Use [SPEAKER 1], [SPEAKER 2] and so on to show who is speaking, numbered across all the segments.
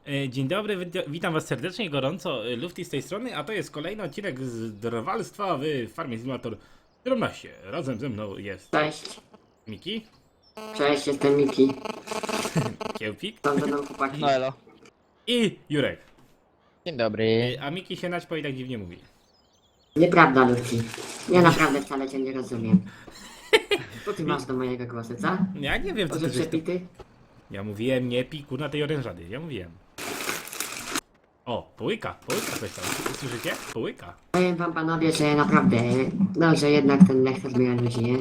[SPEAKER 1] Dzień dobry, witam was serdecznie i gorąco, Lufty z tej strony, a to jest kolejny odcinek z drwalstwa w Farmie Simulator 17. Razem ze mną jest
[SPEAKER 2] Cześć,
[SPEAKER 1] Miki,
[SPEAKER 2] cześć, jestem Miki.
[SPEAKER 1] Kiełpik
[SPEAKER 2] Tam będą chłopaki.
[SPEAKER 3] No elo.
[SPEAKER 1] i Jurek.
[SPEAKER 3] Dzień dobry.
[SPEAKER 1] A Miki się naćpał i tak dziwnie mówi.
[SPEAKER 2] Nieprawda, Luki. Ja naprawdę wcale cię nie rozumiem. Co ty masz do mojego głosu, co?
[SPEAKER 1] Ja nie wiem co
[SPEAKER 2] Może
[SPEAKER 1] ty żeś to...
[SPEAKER 2] przepity?
[SPEAKER 1] Ja mówiłem nie piku na tej orężady, ja mówiłem. O, połyka coś tam, słyszycie? Połyka.
[SPEAKER 2] Powiem wam panowie, że naprawdę, no, że jednak ten lektor zmienia ludzi, nie?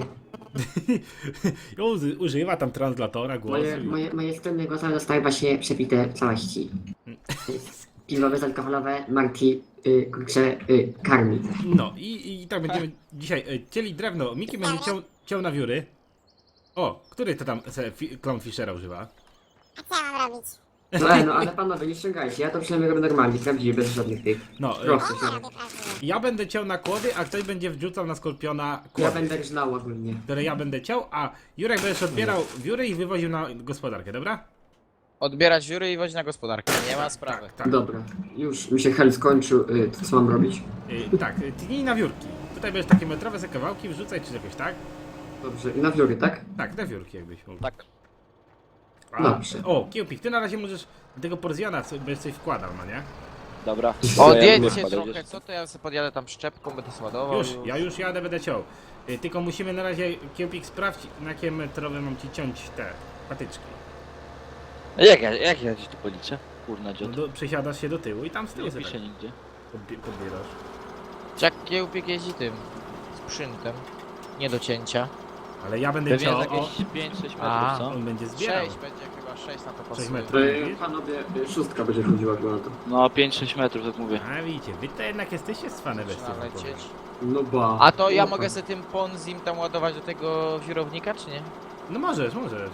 [SPEAKER 1] Używa tam translatora głosu.
[SPEAKER 2] Moje strony głosowe zostały właśnie przepite w całości. Piwo bezalkoholowe, Marti, kurczę, karmi.
[SPEAKER 1] No i tak będziemy dzisiaj cieli drewno. Miki będzie ciął na wióry. O, który to tam Clownfishera używa?
[SPEAKER 4] A co ja mam robić?
[SPEAKER 2] No ale panowie, nie ściągajcie, ja to przynajmniej robię normalnie, prawdziwie, bez żadnych tych.
[SPEAKER 1] No,
[SPEAKER 2] Prosto
[SPEAKER 4] Ja
[SPEAKER 2] się.
[SPEAKER 4] robię prawdziwie.
[SPEAKER 1] ja będę ciął na kłody, a ktoś będzie wrzucał na skorpiona
[SPEAKER 2] Ja
[SPEAKER 1] kłody,
[SPEAKER 2] będę rżnął ogólnie.
[SPEAKER 1] które ja będę ciął, a Jurek będziesz odbierał wióry i wywoził na gospodarkę, dobra?
[SPEAKER 3] Odbierać wióry i wozić na gospodarkę, nie ma sprawy.
[SPEAKER 1] Tak.
[SPEAKER 2] Dobra, już mi się hel skończył, to co mam robić?
[SPEAKER 1] Tak, tnij na wiórki. Tutaj będziesz takie metrowe se kawałki wrzucać czy jakoś, tak?
[SPEAKER 2] Dobrze, i na wiory, tak?
[SPEAKER 1] Tak, na wiórki jakbyś mógł.
[SPEAKER 3] Tak.
[SPEAKER 1] A,
[SPEAKER 2] Dobrze.
[SPEAKER 1] O, Kiełpik, ty na razie możesz do tego porzjana będziesz coś wkładał, no nie?
[SPEAKER 5] Dobra.
[SPEAKER 3] Odjedźcie trochę, co to ja sobie podjadę tam przyczepką, będę sładował.
[SPEAKER 1] Ja już jadę, będę ciął. Tylko musimy na razie, Kiełpik, sprawdź, na jakie metrowe mam ci ciąć te patyczki.
[SPEAKER 5] Jak ja ci tu policzę? Kurna
[SPEAKER 1] No
[SPEAKER 5] dziot.
[SPEAKER 1] przesiadasz się do tyłu i tam z tyłu
[SPEAKER 5] Nie
[SPEAKER 1] sobie
[SPEAKER 5] pisze
[SPEAKER 1] tak
[SPEAKER 5] nigdzie.
[SPEAKER 1] podbierasz.
[SPEAKER 3] Jak kiełpik jeździ tym sprzętem. Nie do cięcia.
[SPEAKER 1] Ale ja będę
[SPEAKER 5] Pewnie
[SPEAKER 1] ciął,
[SPEAKER 5] jest
[SPEAKER 1] o,
[SPEAKER 5] jakieś 5-6
[SPEAKER 3] A.
[SPEAKER 5] metrów, co?
[SPEAKER 1] on będzie zbierał.
[SPEAKER 3] 6 będzie chyba, 6 na to
[SPEAKER 1] 6
[SPEAKER 3] pasuje.
[SPEAKER 1] metrów.
[SPEAKER 2] Panowie, szóstka będzie chodziła chyba na to.
[SPEAKER 5] No 5-6 metrów, tak mówię.
[SPEAKER 1] A widzicie, wy to jednak jesteście cwane bestie.
[SPEAKER 3] Zaczyna
[SPEAKER 1] wam powiem.
[SPEAKER 3] lecieć.
[SPEAKER 2] No ba.
[SPEAKER 3] A to ja mogę sobie tym ponzim tam ładować do tego wirownika, czy nie?
[SPEAKER 1] No możesz.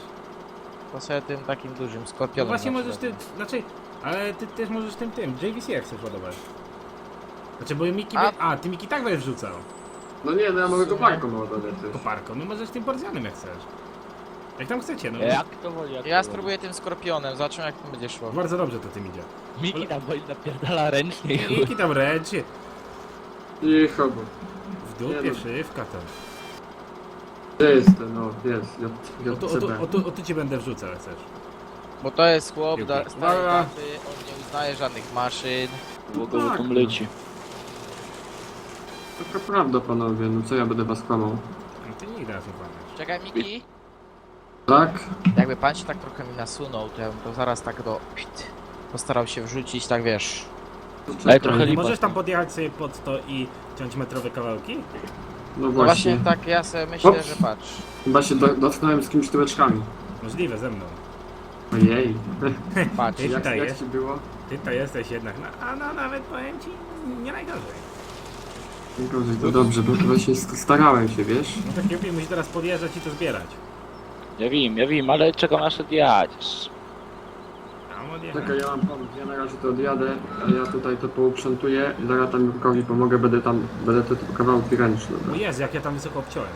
[SPEAKER 3] To sobie tym takim dużym
[SPEAKER 1] No
[SPEAKER 3] skorpionem.
[SPEAKER 1] właśnie
[SPEAKER 3] na
[SPEAKER 1] możesz ty,
[SPEAKER 3] przykład.
[SPEAKER 1] znaczy, ale ty też możesz tym, JVC jak chcesz ładować. Znaczy, bo Miki, ty Miki tak będziesz wrzucał.
[SPEAKER 2] No nie, no ja mogę koparką ładować też.
[SPEAKER 1] Koparką, no możesz tym porzjanem jak chcesz. Jak tam chcecie, no.
[SPEAKER 5] Jak to woli, jak
[SPEAKER 3] Ja
[SPEAKER 5] to
[SPEAKER 3] spróbuję tym skorpionem, zobaczymy jak to będzie szło.
[SPEAKER 1] Bardzo dobrze to tym idzie.
[SPEAKER 5] woli. Miki tam woli napierdala ręcznie i chuj.
[SPEAKER 1] Miki tam ręczy,
[SPEAKER 2] Cicho, bo.
[SPEAKER 1] w dupie
[SPEAKER 2] Nie no.
[SPEAKER 1] szywka tam.
[SPEAKER 2] Gdzie jest ten, no, jest,
[SPEAKER 1] O tu ci będę wrzucał jak chcesz.
[SPEAKER 3] Bo to jest chłop,
[SPEAKER 1] Piłki.
[SPEAKER 3] starej daty, on nie uznaje żadnych maszyn.
[SPEAKER 5] Bo go tam leci.
[SPEAKER 2] Taka prawda, panowie, no co ja będę was kłamał.
[SPEAKER 1] No ty nigdy nas nie kłamiesz.
[SPEAKER 3] Czekaj Miki,
[SPEAKER 2] Tak?
[SPEAKER 3] jakby pan się tak trochę mi nasunął, to ja bym to zaraz tak postarał się wrzucić, tak wiesz.
[SPEAKER 2] To
[SPEAKER 5] Ale
[SPEAKER 2] czekaj.
[SPEAKER 5] trochę
[SPEAKER 1] Nie
[SPEAKER 5] lipa.
[SPEAKER 1] możesz tam podjechać sobie pod to i ciąć metrowe kawałki?
[SPEAKER 2] No
[SPEAKER 3] No
[SPEAKER 2] właśnie.
[SPEAKER 3] właśnie tak ja sobie myślę,
[SPEAKER 2] Ops.
[SPEAKER 3] że patrz.
[SPEAKER 2] Chyba się dotknąłem z kimś tyłeczkami.
[SPEAKER 1] Możliwe ze mną.
[SPEAKER 2] Ojej.
[SPEAKER 3] Patrz.
[SPEAKER 1] Ty tutaj
[SPEAKER 2] Jak
[SPEAKER 1] jest,
[SPEAKER 2] ci było?
[SPEAKER 1] ty to jesteś jednak, no nawet powiem ci, nie najgorzej.
[SPEAKER 2] Gorzej, to dobrze, bo właśnie starałem się, wiesz?
[SPEAKER 1] No tak Kiełpik musi teraz podjeżdżać i to zbierać.
[SPEAKER 5] Ja wiem, ale czekam aż odjadziesz.
[SPEAKER 1] Tam odjechać.
[SPEAKER 2] Czekaj, ja mam pomysł, ja na razie to odjadę, a ja tutaj to pouprzątuję, zaraz tam Jurkowi pomogę, będę te kawałki ręczne.
[SPEAKER 1] O Jezu, jak ja tam wysoko obciąłem.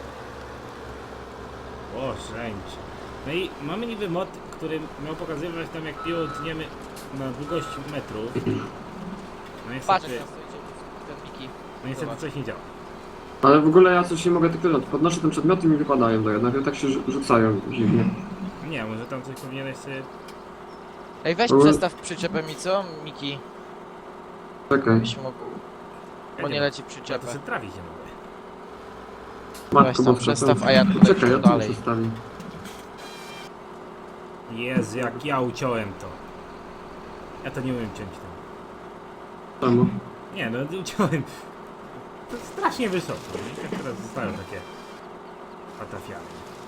[SPEAKER 1] O, szęć. No i mamy niby mod, który miał pokazywać tam jak piło tniemy na długość metrów. No
[SPEAKER 3] Patrz
[SPEAKER 1] niestety,
[SPEAKER 3] jak tam stoicie, ten Miki.
[SPEAKER 1] no niestety
[SPEAKER 3] Zobacz.
[SPEAKER 1] coś nie działa.
[SPEAKER 2] Ale w ogóle ja coś nie mogę tylko podnoszę ten przedmioty i mi wypadają do jednak tak się rzucają dziwnie.
[SPEAKER 1] Nie, może tam coś powinieneś sobie...
[SPEAKER 3] Ej, weź
[SPEAKER 2] Ale-
[SPEAKER 3] przestaw przyczepę mi, co? Miki,
[SPEAKER 2] Czekaj.
[SPEAKER 3] byś mógł, bo nie leci
[SPEAKER 1] Ja
[SPEAKER 3] przyczepę.
[SPEAKER 1] to sobie trawić nie mogę.
[SPEAKER 3] Weź tam
[SPEAKER 2] boska,
[SPEAKER 3] przestaw,
[SPEAKER 2] co?
[SPEAKER 3] a ja tutaj
[SPEAKER 2] Czekaj, ja
[SPEAKER 3] idę
[SPEAKER 2] tu
[SPEAKER 3] dalej.
[SPEAKER 2] przestawię.
[SPEAKER 1] Jezu, jak ja uciąłem to. Ja to nie umiem ciąć tam.
[SPEAKER 2] Czemu?
[SPEAKER 1] Nie no, uciąłem. To strasznie wysoko. Nie? Jak teraz zostają takie patafiany.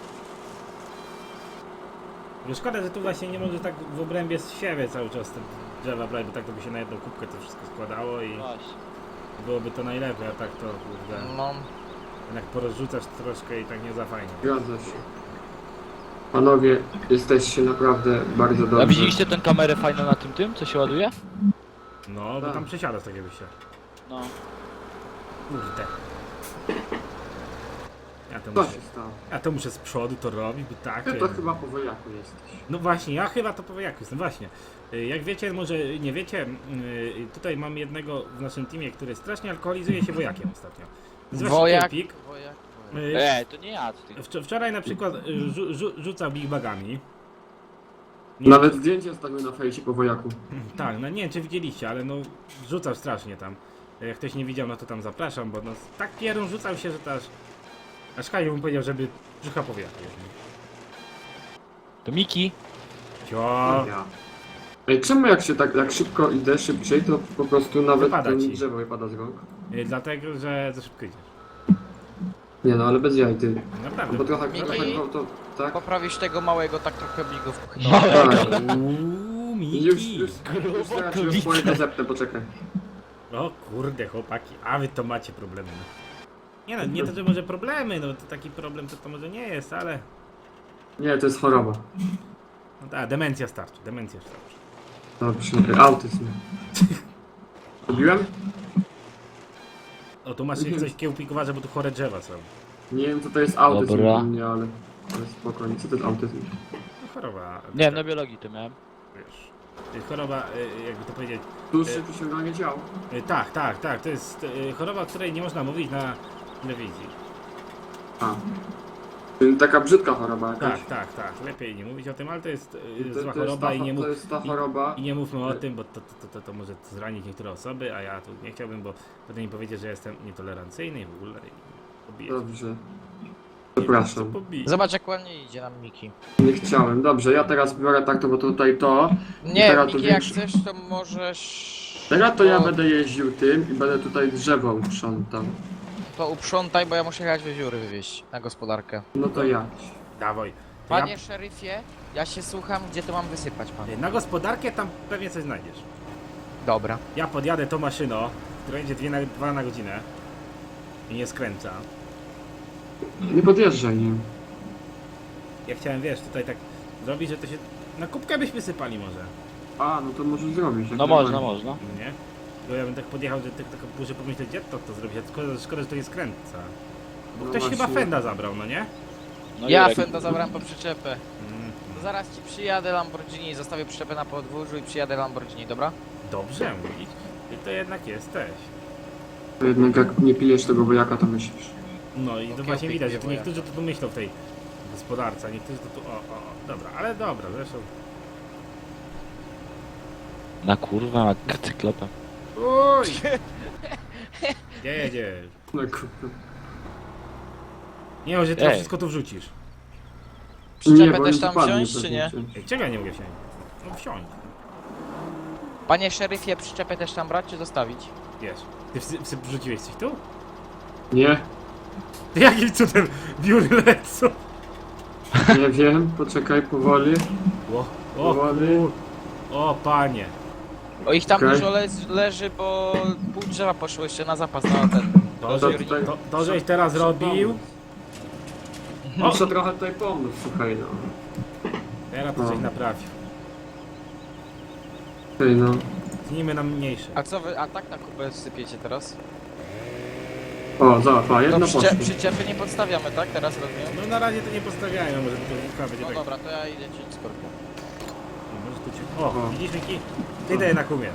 [SPEAKER 1] Tylko szkoda, że tu właśnie nie może tak w obrębie z siebie cały czas te drzewa brać, bo tak to by się na jedną kubkę to wszystko składało i
[SPEAKER 5] Właśnie.
[SPEAKER 1] byłoby to najlepiej, a tak to kurde,
[SPEAKER 3] No,
[SPEAKER 1] jednak porozrzucasz troszkę i tak nie za fajnie.
[SPEAKER 2] Zgadza się. Panowie, jesteście naprawdę bardzo
[SPEAKER 5] A
[SPEAKER 2] dobrzy.
[SPEAKER 5] widzieliście tę kamerę fajną na tym, co się ładuje?
[SPEAKER 1] No, bo
[SPEAKER 2] Tak.
[SPEAKER 1] tam przesiadasz takie wyjście.
[SPEAKER 5] No.
[SPEAKER 1] Kurde.
[SPEAKER 6] Co się stało?
[SPEAKER 1] Ja to muszę z przodu to robić, bo tak.
[SPEAKER 6] Ty to chyba po wojaku jesteś.
[SPEAKER 1] No właśnie, ja chyba to po jak jestem, właśnie. Jak wiecie, może nie wiecie, tutaj mam jednego w naszym teamie, który strasznie alkoholizuje się wojakiem ostatnio. Nazywa się
[SPEAKER 3] Wojak.
[SPEAKER 1] Kempik.
[SPEAKER 3] Wojak.
[SPEAKER 5] To nie ja, to ty.
[SPEAKER 1] Wczoraj na przykład rzucał big bagami.
[SPEAKER 6] Nawet zdjęcie stawił na fejsie po wojaku.
[SPEAKER 1] Tak, no nie wiem czy widzieliście, ale no rzucał strasznie tam. Jak ktoś nie widział, no to tam zapraszam, bo no tak pierun rzucał się, że to aż Kaju mu powiedział, żeby brzucha powiatu.
[SPEAKER 5] To Miki.
[SPEAKER 1] Cio.
[SPEAKER 6] Ja. Ej, czemu jak się tak jak szybko idę szybciej, to po prostu nawet
[SPEAKER 1] Wypada
[SPEAKER 6] to
[SPEAKER 1] ci.
[SPEAKER 6] drzewo wypada z rąk?
[SPEAKER 1] Dlatego, że za szybko idziesz.
[SPEAKER 6] Nie no, ale bez jaj, ty.
[SPEAKER 1] Naprawdę.
[SPEAKER 6] Bo trochę,
[SPEAKER 3] Miki?
[SPEAKER 6] trochę to, tak?
[SPEAKER 3] Poprawisz tego małego tak trochę bigów.
[SPEAKER 6] Tak.
[SPEAKER 1] Uuu,
[SPEAKER 6] Już
[SPEAKER 1] Miki.
[SPEAKER 6] zaraz się swoje to zepnę, poczekaj.
[SPEAKER 1] O kurde chłopaki, a wy to macie problemy. No. Nie no, nie to, że może problemy, no to taki problem to może nie jest, ale...
[SPEAKER 6] Nie, to jest choroba.
[SPEAKER 1] No tak, demencja starczy, demencja starczy.
[SPEAKER 6] Dobrze, autyzm. Robiłem?
[SPEAKER 1] O, tu masz coś kiełpikowane, bo tu chore drzewa są.
[SPEAKER 6] Nie wiem co to jest autyzm
[SPEAKER 5] Dobra.
[SPEAKER 6] u mnie, ale spokojnie, co to jest autyzm?
[SPEAKER 1] No, choroba.
[SPEAKER 5] Nie, na biologii to miałem.
[SPEAKER 1] Wiesz, choroba, jakby to powiedzieć...
[SPEAKER 6] Dłuższe przyciąganie ciał.
[SPEAKER 1] Tak, to jest choroba, o której nie można mówić na telewizji.
[SPEAKER 6] A. Czyli taka brzydka choroba jakaś.
[SPEAKER 1] Tak, lepiej nie mówić o tym, ale to jest
[SPEAKER 6] To-
[SPEAKER 1] zła
[SPEAKER 6] to jest
[SPEAKER 1] choroba
[SPEAKER 6] ta-
[SPEAKER 1] i nie
[SPEAKER 6] to jest ta choroba.
[SPEAKER 1] I nie mówmy o tym, bo to może zranić niektóre osoby, a ja tu nie chciałbym, bo potem mi powiedzieć, że jestem nietolerancyjny i w ogóle i pobiję.
[SPEAKER 6] Dobrze. Przepraszam.
[SPEAKER 1] Pobiję.
[SPEAKER 3] Zobacz jak ładnie idzie nam Miki.
[SPEAKER 6] Nie chciałem. Dobrze, ja teraz biorę tak, to bo tutaj to.
[SPEAKER 3] Nie,
[SPEAKER 6] teraz to
[SPEAKER 3] Miki jak
[SPEAKER 6] większy-
[SPEAKER 3] chcesz to możesz...
[SPEAKER 6] Teraz to ja
[SPEAKER 3] O,
[SPEAKER 6] będę jeździł tym i będę tutaj drzewo uprzątał.
[SPEAKER 3] To uprzątaj, bo ja muszę jechać wiewióry wywieźć na gospodarkę.
[SPEAKER 6] No to ja.
[SPEAKER 1] Dawaj. To
[SPEAKER 3] Panie szeryfie, ja się słucham, gdzie to mam wysypać pan.
[SPEAKER 1] na gospodarkę tam pewnie coś znajdziesz.
[SPEAKER 3] Dobra.
[SPEAKER 1] Ja podjadę tą maszyną, która jedzie 2 na godzinę i nie skręca.
[SPEAKER 6] Nie podjeżdżaj, nie.
[SPEAKER 1] Ja chciałem, wiesz, tutaj tak zrobić, że to się... Na kubkę byśmy sypali może,
[SPEAKER 6] A, no to możesz zrobić. jak
[SPEAKER 5] No
[SPEAKER 6] najbardziej.
[SPEAKER 5] można.
[SPEAKER 1] no nie? Bo ja bym tak podjechał, że tak muszę pomyśleć, gdzie to zrobić, a szkoda, że to nie skręca. Bo
[SPEAKER 6] No
[SPEAKER 1] ktoś chyba
[SPEAKER 6] właśnie.
[SPEAKER 1] Fenda zabrał, no nie?
[SPEAKER 5] No
[SPEAKER 3] Ja
[SPEAKER 5] Jurek.
[SPEAKER 3] Fenda zabrałem po przyczepę.
[SPEAKER 1] Mm,
[SPEAKER 3] To zaraz ci przyjadę Lamborghini, zostawię przyczepę na podwórzu i przyjadę Lamborghini, dobra?
[SPEAKER 1] dobrze mówić. Ty to jednak jesteś.
[SPEAKER 6] To jednak jak nie pijesz tego wojaka, to myślisz.
[SPEAKER 1] No i to
[SPEAKER 3] Okej,
[SPEAKER 1] właśnie widać, że tu
[SPEAKER 3] pięknie,
[SPEAKER 1] niektórzy to tu myślą w tej gospodarce, a niektórzy to tu... dobra, ale dobra, zresztą...
[SPEAKER 5] Na kurwa, na cyklopem.
[SPEAKER 1] Uj! Gdzie jedziesz?
[SPEAKER 6] No kurde.
[SPEAKER 1] Nie wiem, że ty
[SPEAKER 5] Ej.
[SPEAKER 1] wszystko tu wrzucisz.
[SPEAKER 3] Przyczepę
[SPEAKER 6] bo
[SPEAKER 3] też
[SPEAKER 6] nie
[SPEAKER 3] tam
[SPEAKER 6] wypadnie
[SPEAKER 3] wziąć, czy
[SPEAKER 6] pewnie
[SPEAKER 3] nie?
[SPEAKER 6] cię.
[SPEAKER 1] Ej, czego ja nie mogę wsiąść? No wsiąść.
[SPEAKER 3] Panie szeryfie, przyczepę też tam brać, czy zostawić?
[SPEAKER 1] Wiesz. Ty wrzuciłeś coś tu?
[SPEAKER 6] Nie,
[SPEAKER 1] Ty jakim cudem biury lecą?
[SPEAKER 6] nie wiem, poczekaj powoli.
[SPEAKER 1] O
[SPEAKER 6] Powoli.
[SPEAKER 1] O panie.
[SPEAKER 3] O ich tam
[SPEAKER 6] Okej.
[SPEAKER 3] dużo leży, bo pół drzewa poszło jeszcze na zapas na ten.
[SPEAKER 1] To,
[SPEAKER 6] To
[SPEAKER 1] że,
[SPEAKER 6] tutaj-
[SPEAKER 1] to żeś teraz robił.
[SPEAKER 6] Muszę trochę tutaj pomóc, słuchaj no.
[SPEAKER 1] Teraz to
[SPEAKER 6] No.
[SPEAKER 1] coś naprawił.
[SPEAKER 6] Ty no.
[SPEAKER 1] Tnijmy na mniejsze.
[SPEAKER 3] A co wy, a tak na kupę sypiecie teraz?
[SPEAKER 6] O, zobacz, a
[SPEAKER 3] To
[SPEAKER 6] jedno poszło.
[SPEAKER 3] przyczepy nie podstawiamy, tak? Teraz rozumiem?
[SPEAKER 1] No na razie to nie postawiają, może to wilka będzie
[SPEAKER 3] No
[SPEAKER 1] tak.
[SPEAKER 3] dobra, to ja idę cię skorpion.
[SPEAKER 1] Może tu cię... O,
[SPEAKER 6] O.
[SPEAKER 1] widzisz Miki? Ty daj na kumiec.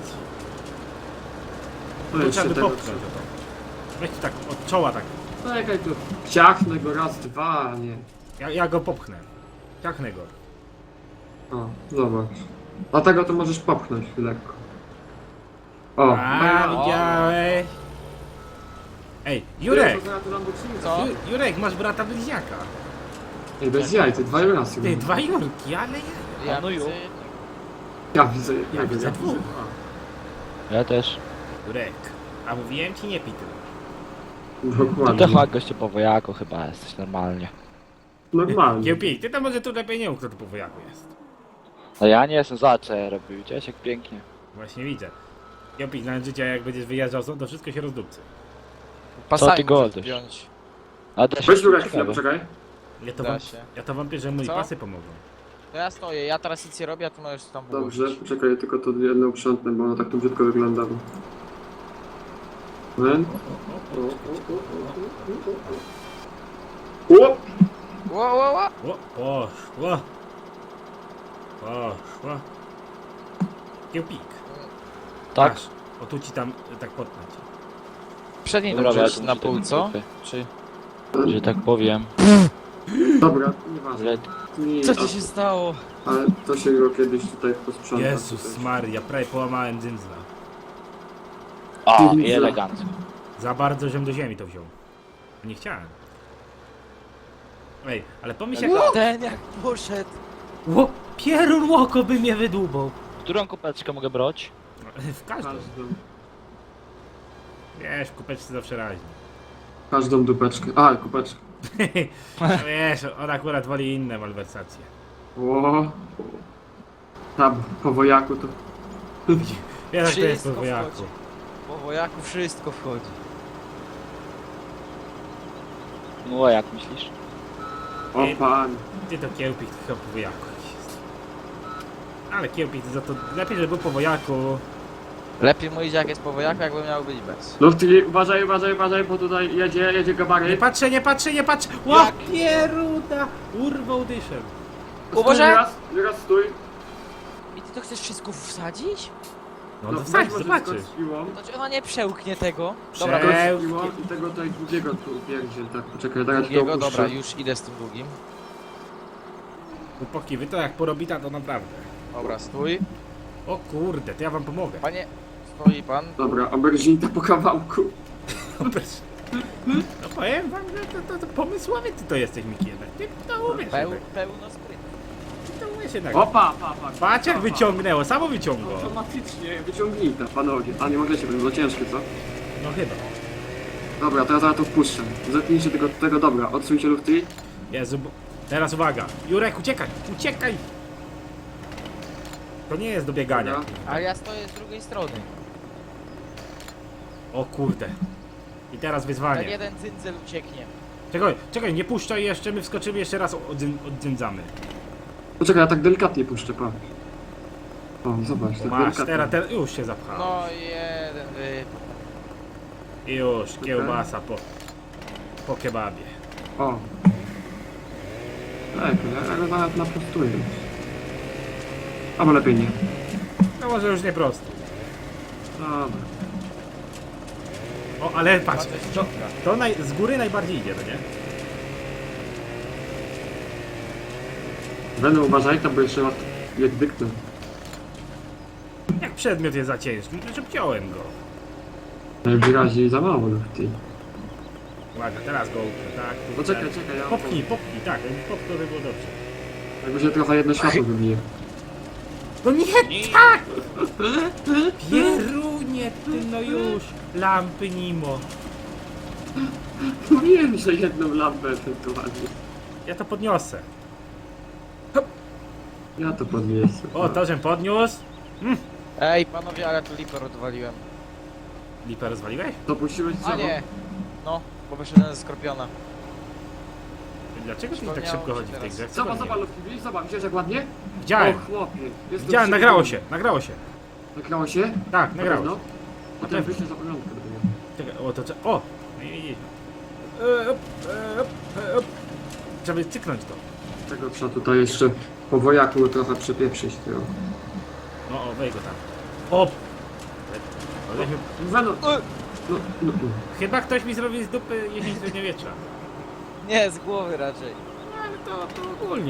[SPEAKER 6] To
[SPEAKER 1] Tu
[SPEAKER 6] jeszcze
[SPEAKER 1] trzeba by
[SPEAKER 6] tego
[SPEAKER 1] popchnąć to. Weź tu tak, od czoła tak.
[SPEAKER 6] Czekaj tu. Ciachnę go raz, dwa, nie.
[SPEAKER 1] Ja go popchnę. Ciachnę go.
[SPEAKER 6] O, zobacz. Dlatego to możesz popchnąć lekko. O,
[SPEAKER 1] A,
[SPEAKER 6] o,
[SPEAKER 1] widziałeś? Ej,
[SPEAKER 6] Ty,
[SPEAKER 1] Jurek!
[SPEAKER 6] to zaraz tu Lamborghini
[SPEAKER 3] Co?
[SPEAKER 1] Jurek, masz brata bliźniaka.
[SPEAKER 6] Ej, bez jaj, ty dwa rasy.
[SPEAKER 1] Ty, 2 Jurki, ale ja...
[SPEAKER 3] Ja
[SPEAKER 5] no
[SPEAKER 3] widzę
[SPEAKER 5] ju.
[SPEAKER 3] jednego.
[SPEAKER 6] Ja widzę jednego,
[SPEAKER 1] Ja widzę dwóch.
[SPEAKER 5] Ja też.
[SPEAKER 1] Jurek, a mówiłem ci nie pij tyle.
[SPEAKER 5] To
[SPEAKER 6] Dokładnie.
[SPEAKER 5] chyba goście po wojaku chyba jesteś normalnie.
[SPEAKER 6] Normalnie.
[SPEAKER 1] Kiełpik, ty to może tu lepiej nie mów, kto tu po wojaku jest.
[SPEAKER 5] No ja nie jestem za co ja robił, widziałeś jak pięknie.
[SPEAKER 1] Właśnie widzę. Kiełpik, na życie jak będziesz wyjeżdżał stąd, to wszystko się rozdupcy.
[SPEAKER 5] Co ty
[SPEAKER 3] Pasami
[SPEAKER 5] goldysz?
[SPEAKER 3] możesz wziąć.
[SPEAKER 5] A da się
[SPEAKER 6] Weź Jurek chwilę,
[SPEAKER 5] ciekawe.
[SPEAKER 6] poczekaj.
[SPEAKER 1] Ja to wam że moi
[SPEAKER 3] Co?
[SPEAKER 1] pasy pomogą.
[SPEAKER 3] To ja stoję, ja teraz nic nie robię, a ty możesz tam
[SPEAKER 6] Dobrze,
[SPEAKER 3] wyłożyć.
[SPEAKER 6] poczekaj, tylko to jedno uprzątnę, bo ono tak tu brzydko wygląda. Moment. O!
[SPEAKER 3] Ło.
[SPEAKER 1] O, poszło. Poszło. Kiełpik.
[SPEAKER 5] Tak.
[SPEAKER 1] Masz. O tu ci tam tak potnąć.
[SPEAKER 3] Przedniej
[SPEAKER 5] Dobra,
[SPEAKER 3] dobrze
[SPEAKER 5] ja
[SPEAKER 3] jest
[SPEAKER 5] tu
[SPEAKER 3] na
[SPEAKER 5] muszę
[SPEAKER 3] pół,
[SPEAKER 5] ten
[SPEAKER 3] co?
[SPEAKER 5] trochę.
[SPEAKER 3] Czy...
[SPEAKER 5] Że tak powiem.
[SPEAKER 6] Dobra, nieważne.
[SPEAKER 5] Ale
[SPEAKER 6] Nie,
[SPEAKER 3] Co ci się stało?
[SPEAKER 6] ale to się go kiedyś tutaj posprząta.
[SPEAKER 1] Jezus
[SPEAKER 6] tutaj.
[SPEAKER 1] Maria, prawie połamałem dzyndzla.
[SPEAKER 5] o, i elegancko.
[SPEAKER 1] Za bardzo, żem do ziemi to wziął. Nie chciałem. Ej, ale pomyśl jak...
[SPEAKER 3] Ten jak poszedł.
[SPEAKER 1] Ło, pierun łoko by mnie wydłubał.
[SPEAKER 5] Którą kopeczkę mogę brać?
[SPEAKER 1] W każdą. Wiesz, w kupeczce zawsze raźnie.
[SPEAKER 6] Każdą dupeczkę. A, kupeczkę.
[SPEAKER 1] No wiesz, on akurat woli inne malwersacje.
[SPEAKER 6] O. Tam, po wojaku to...
[SPEAKER 1] Wiesz jak to jest
[SPEAKER 3] Wszystko
[SPEAKER 1] po wojaku.
[SPEAKER 3] wchodzi. Po wojaku wszystko wchodzi.
[SPEAKER 5] No, jak myślisz?
[SPEAKER 6] O pan.
[SPEAKER 1] Ty to kiełpik to chyba po wojaku jest. Ale kiełpik to za to lepiej, żeby był po wojaku.
[SPEAKER 3] Lepiej mu idzie jak jest po wojaku, jakby miał być bez.
[SPEAKER 6] Lufty, uważaj, bo tutaj jedzie
[SPEAKER 1] Nie
[SPEAKER 6] gabaryt.
[SPEAKER 1] patrzę, nie patrzę, nie patrzę! Ło, pieruda! Urwał dyszem.
[SPEAKER 3] Uważaj!
[SPEAKER 6] Raz stój.
[SPEAKER 3] I ty to chcesz wszystko wsadzić?
[SPEAKER 1] No,
[SPEAKER 6] No,
[SPEAKER 1] to wsadź,
[SPEAKER 6] weź może
[SPEAKER 1] zobaczysz.
[SPEAKER 6] skocz z piłą.
[SPEAKER 3] To czy ona nie przełknie tego? Dobra,
[SPEAKER 1] Prze-
[SPEAKER 6] Skocz z piłą i tego tutaj drugiego tu pierdziel, tak, poczekaj, teraz ci to
[SPEAKER 3] drugiego,
[SPEAKER 6] opuszczę.
[SPEAKER 3] dobra, już idę z tym drugim.
[SPEAKER 1] Chłopaki, wy to jak porobita, to naprawdę.
[SPEAKER 3] Dobra, stój.
[SPEAKER 1] O kurde, to ja wam pomogę.
[SPEAKER 3] Panie, stoi pan.
[SPEAKER 6] Dobra, auberginta po kawałku.
[SPEAKER 1] No powiem wam, że to pomysłowy ty to jesteś, Miki, jednak. Ty to umiesz jednak.
[SPEAKER 3] Pełno sprytu.
[SPEAKER 1] Ty to umiesz jednak.
[SPEAKER 6] Opa,
[SPEAKER 1] Patrz jak wyciągnęło, samo wyciągło.
[SPEAKER 6] Automatycznie wyciągnijta, panowie. A nie możecie, będzie za ciężkie, co?
[SPEAKER 1] No chyba.
[SPEAKER 6] Dobra, teraz ja to wpuszczę. Zetnijcie tego, dobra, odsuńcie lufty.
[SPEAKER 1] Jezu, teraz uwaga. Jurek, uciekaj, uciekaj! To nie jest do biegania.
[SPEAKER 6] Dobra.
[SPEAKER 3] A ja stoję z drugiej strony.
[SPEAKER 1] O kurde. I teraz
[SPEAKER 3] Ten
[SPEAKER 1] wyzwanie.
[SPEAKER 3] jeden cyndzel ucieknie.
[SPEAKER 1] Czekaj, nie puszczaj jeszcze, my wskoczymy jeszcze raz, oddzędzamy.
[SPEAKER 6] Poczekaj, ja tak delikatnie puszczę, pa. O, zobacz, tak
[SPEAKER 1] Masz,
[SPEAKER 6] delikatnie.
[SPEAKER 1] teraz już się zapchało.
[SPEAKER 3] No jeden
[SPEAKER 1] Już, kiełbasa po kebabie.
[SPEAKER 6] O. Tak, ja go nawet naprostuję. Albo lepiej nie.
[SPEAKER 1] No może już nie prosto.
[SPEAKER 6] Dobra.
[SPEAKER 1] O, ale patrz,
[SPEAKER 3] Patrzę z
[SPEAKER 1] to,
[SPEAKER 3] środka.
[SPEAKER 1] z góry najbardziej idzie, no nie?
[SPEAKER 6] Będę uważaj, to bo jeszcze raz jak dyknę.
[SPEAKER 1] Jak przedmiot jest za ciężki, to wziąłem go.
[SPEAKER 6] Najwyraźniej za mało lufty.
[SPEAKER 1] Uwaga, teraz go upnę, tak?
[SPEAKER 6] No czekaj, ja...
[SPEAKER 1] Popchnij, tak, popchnij, by było dobrze.
[SPEAKER 6] Jakby się trochę jedno światło wybije.
[SPEAKER 1] No nie, tak! Pierunie, ty no już, lampy Nimo.
[SPEAKER 6] Mówiłem, że jedną lampę ewentualnie.
[SPEAKER 1] Ja to podniosę.
[SPEAKER 6] Ja to podniosę.
[SPEAKER 1] O, to żem podniósł.
[SPEAKER 3] Ej, panowie, ale tu lipę odwaliłem.
[SPEAKER 1] Lipę rozwaliłeś?
[SPEAKER 6] To puściłeś
[SPEAKER 3] A nie. No, bo wyszedłem ze skorpiona.
[SPEAKER 1] Dlaczego ty tak
[SPEAKER 3] Przypomniało
[SPEAKER 1] szybko
[SPEAKER 3] mi
[SPEAKER 1] chodzi
[SPEAKER 3] się
[SPEAKER 1] w tej
[SPEAKER 3] teraz.
[SPEAKER 1] grze?
[SPEAKER 6] Zobacz, lufty, widzisz, zobacz, widzisz jak ładnie?
[SPEAKER 1] Widziałem,
[SPEAKER 6] O chłopie. jestem
[SPEAKER 1] widziałem,
[SPEAKER 6] przekonany.
[SPEAKER 1] nagrało się.
[SPEAKER 6] Nagrało się?
[SPEAKER 1] Tak,
[SPEAKER 6] Na
[SPEAKER 1] nagrało
[SPEAKER 6] pewno?
[SPEAKER 1] się.
[SPEAKER 6] Potem wyślę za pamiątkę do tego.
[SPEAKER 1] Czekaj, o, to trzeba, o! No i widzisz. Trzeba cyknąć to.
[SPEAKER 6] Tego trzeba tutaj jeszcze po wojaku trochę przepieprzyć. Tego.
[SPEAKER 1] No, o, weź go tam. O! Ale
[SPEAKER 6] Weno... No.
[SPEAKER 1] chyba ktoś mi zrobił z dupy jesień średniowiecza.
[SPEAKER 3] Nie, z głowy raczej.
[SPEAKER 1] No, ale to ogólnie.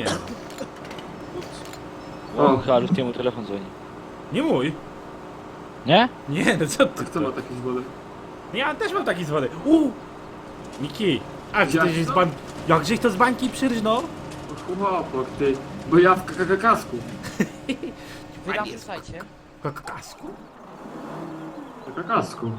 [SPEAKER 5] O, chyba Lustiemu telefon dzwoni.
[SPEAKER 1] Nie mój.
[SPEAKER 5] Nie?
[SPEAKER 1] Nie, no co
[SPEAKER 6] A
[SPEAKER 1] ty?
[SPEAKER 6] kto ma taki zwolę?
[SPEAKER 1] Ja też mam taki zwody. Miki, a gdzie
[SPEAKER 6] Jak
[SPEAKER 1] tyś z
[SPEAKER 6] to?
[SPEAKER 1] ban... Jakżeś to z bańki przyrżnął?
[SPEAKER 6] O chłopok, ty. Bo ja w kasku.
[SPEAKER 3] Wy tam wrzucajcie.
[SPEAKER 1] Kasku?
[SPEAKER 6] W kasku.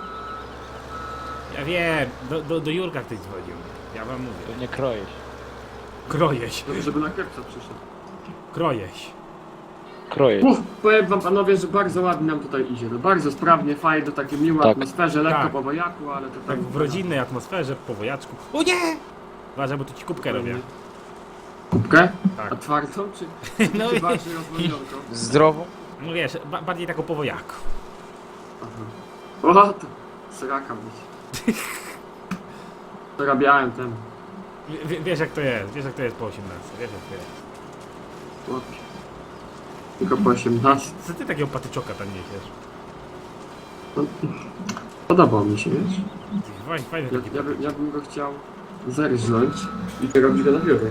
[SPEAKER 1] Ja wiem, do Jurka ktoś dzwonił. Ja wam mówię.
[SPEAKER 5] Pewnie krojeś.
[SPEAKER 1] Krojeś,
[SPEAKER 6] Żeby na kierpca przyszedł.
[SPEAKER 1] krojeś.
[SPEAKER 5] Krojeś.
[SPEAKER 6] Powiem wam panowie, że bardzo ładnie nam tutaj idzie. No bardzo sprawnie, fajnie, takie miłe
[SPEAKER 5] Tak.
[SPEAKER 6] atmosferze, lekko
[SPEAKER 1] Tak.
[SPEAKER 6] po wojaku, ale to
[SPEAKER 1] Tak w rodzinnej atmosferze, po wojaczku. O nie! Uważaj, bo tu ci kubkę robię.
[SPEAKER 6] Kubkę?
[SPEAKER 1] Tak.
[SPEAKER 6] A twardą czy,
[SPEAKER 1] No
[SPEAKER 6] czy
[SPEAKER 1] i,
[SPEAKER 6] bardziej rozwodnioną?
[SPEAKER 3] Zdrową?
[SPEAKER 1] no wiesz, bardziej taką po wojaku.
[SPEAKER 6] Aha. O, to sraka być. Zarabiałem ten.
[SPEAKER 1] Wiesz jak to jest, wiesz jak to jest po 18, wiesz jak to jest.
[SPEAKER 6] Chłopie. Tylko po 18.
[SPEAKER 1] Co ty takiego patyczoka tam niesiesz?
[SPEAKER 6] No, podobał mi się, wiesz?
[SPEAKER 1] Fajny taki
[SPEAKER 6] Ja bym go chciał zerżnąć i to robić go na biurę.